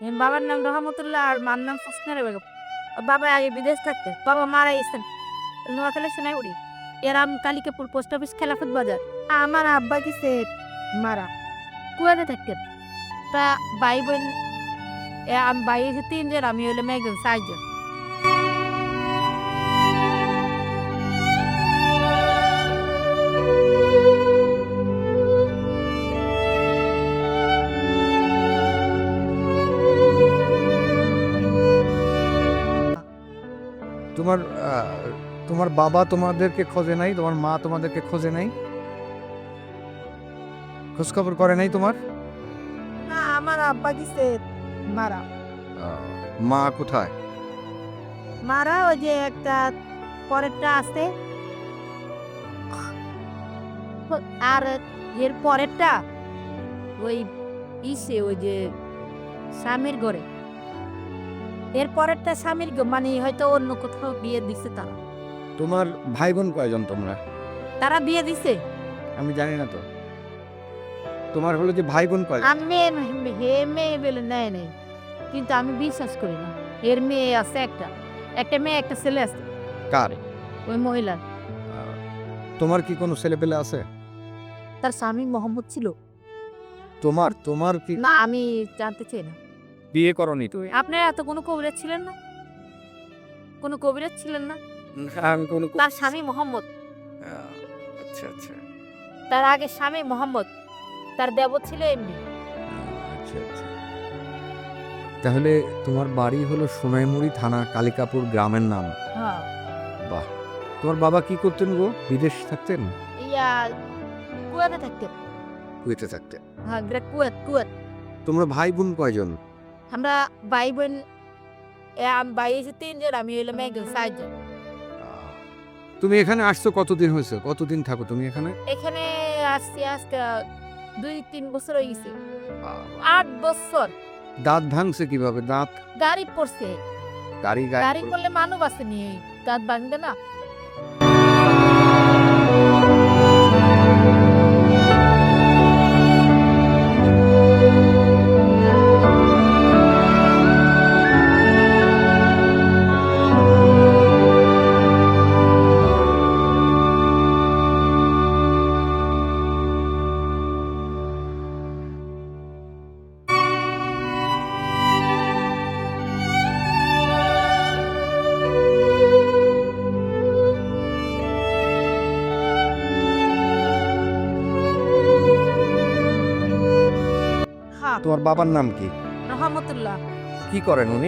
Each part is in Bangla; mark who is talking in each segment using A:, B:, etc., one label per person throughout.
A: বাবার নাম রহমতুল্লাহ আর মার নাম হোসনে বেগম। বাবা আগে বিদেশ থাকতে, বাবা মারা গেছেন নোয়াখালী সোনাইমুড়ি। এরাম কালিকাপুর পোস্ট অফিস খেলাফত বাজার। আমার আব্বা গেছে মারা কুয়াতে থাকতেন। তা ভাই বোন আমি ভাই হচ্ছে 3 জন, আমি হলাম একজন 4 জন।
B: তোমার তোমার বাবা তোমাদেরকে খোঁজে নাই, তোমার মা তোমাদেরকে খোঁজে নাই, খোঁজ খবর করে নাই তোমার?
A: না, আমার আব্বা গেছে মারা।
B: মা কোথায়?
A: মারা ওই যে একটা পরেরটা আছে, আর এর পরেরটা ওই ইসে ওই যে স্বামীর ঘরে। এর পরেরটা স্বামীর মানে হয়তো অন্য কোথাও বিয়ে দিছে তারা।
B: তোমার ভাই বোন কয়জন তোমরা?
A: তারা বিয়ে দিছে।
B: আমি জানি না তো। তোমার হলো যে ভাই বোন কয়জন?
A: আমি হে মেয়ে বলে নেয় নেই, কিন্তু আমি বিশ্বাস করি না। এর মেয়ে আছে একটা মেয়ে একটা ছেলে আছে।
B: কার?
A: ওই মহিলার।
B: তোমার কি কোনো ছেলে পেলে আছে?
A: তার স্বামী মোহাম্মদ ছিল।
B: তোমার কি
A: না, আমি জানতে চাই না।
B: বিয়ে করনি তুই?
A: আপনার এত কোনো কবিরাজ ছিলেন না? কোনো কবিরাজ ছিলেন না?
B: আমি কোনো
A: তার স্বামী মোহাম্মদ,
B: আচ্ছা আচ্ছা
A: তার আগে স্বামী মোহাম্মদ, তার দেবর ছিল এমনি।
B: আচ্ছা আচ্ছা। তাহলে তোমার বাড়ি হলো সোনাইমুড়ি থানা, কালিকাপুর গ্রামের নাম।
A: হ্যাঁ।
B: বাহ। তোমার বাবা কি করতেন গো? বিদেশ থাকতেন?
A: ইয়া কুয়াতে থাকতেন।
B: কুয়েতে থাকতেন।
A: হ্যাঁ, কুয়াত।
B: তোমরা ভাই বোন কয়জন?
A: আমরা ভাই বোন ভাই হচ্ছে 3 জন, আমি হইলাম একজন 4 জন।
B: তুমি এখানে আসছো কতদিন হয়েছে? কতদিন থাকো তুমি এখানে?
A: এখানে আসছি আজকে 2-3 বছর হয়ে গেছে। 8 বছর।
B: দাঁত ভাঙছে কিভাবে? দাঁত
A: গাড়ি পড়ছে।
B: গাড়ি
A: গাড়ি করলে মানুষ আসেনি, দাঁত ভাঙবে না। হ্যাঁ,
B: তোমার বাবার নাম কি?
A: রহমতুল্লাহ।
B: কি করেন উনি?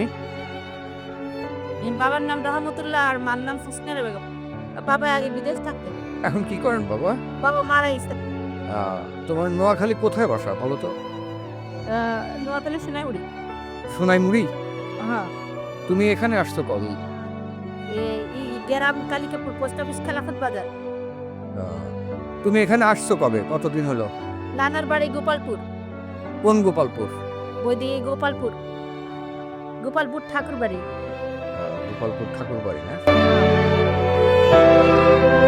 A: এর বাবার নাম রহমতুল্লাহ আর মার নাম হোসনে বেগম। বাবা আগে বিদেশ থাকতেন।
B: এখন কি করেন বাবা?
A: বাবা মারা গেছে
B: তোমার নোয়াখালী কোথায় বাসা বলো তো?
A: নোয়াখালী সোনাইমুড়ি।
B: সোনাইমুড়ি?
A: হ্যাঁ।
B: তুমি এখানে আসছো কবে?
A: এই গ্রাম কালিকাপুর পোস্ট অফিস খেলাফত বাজার।
B: তুমি এখানে আসছো কবে? কতদিন হলো?
A: নানার বাড়ি গোপালপুর।
B: কোন গোপালপুর?
A: ওইদিকে গোপালপুর ঠাকুর বাড়ি।
B: গোপালপুর ঠাকুর বাড়ি না?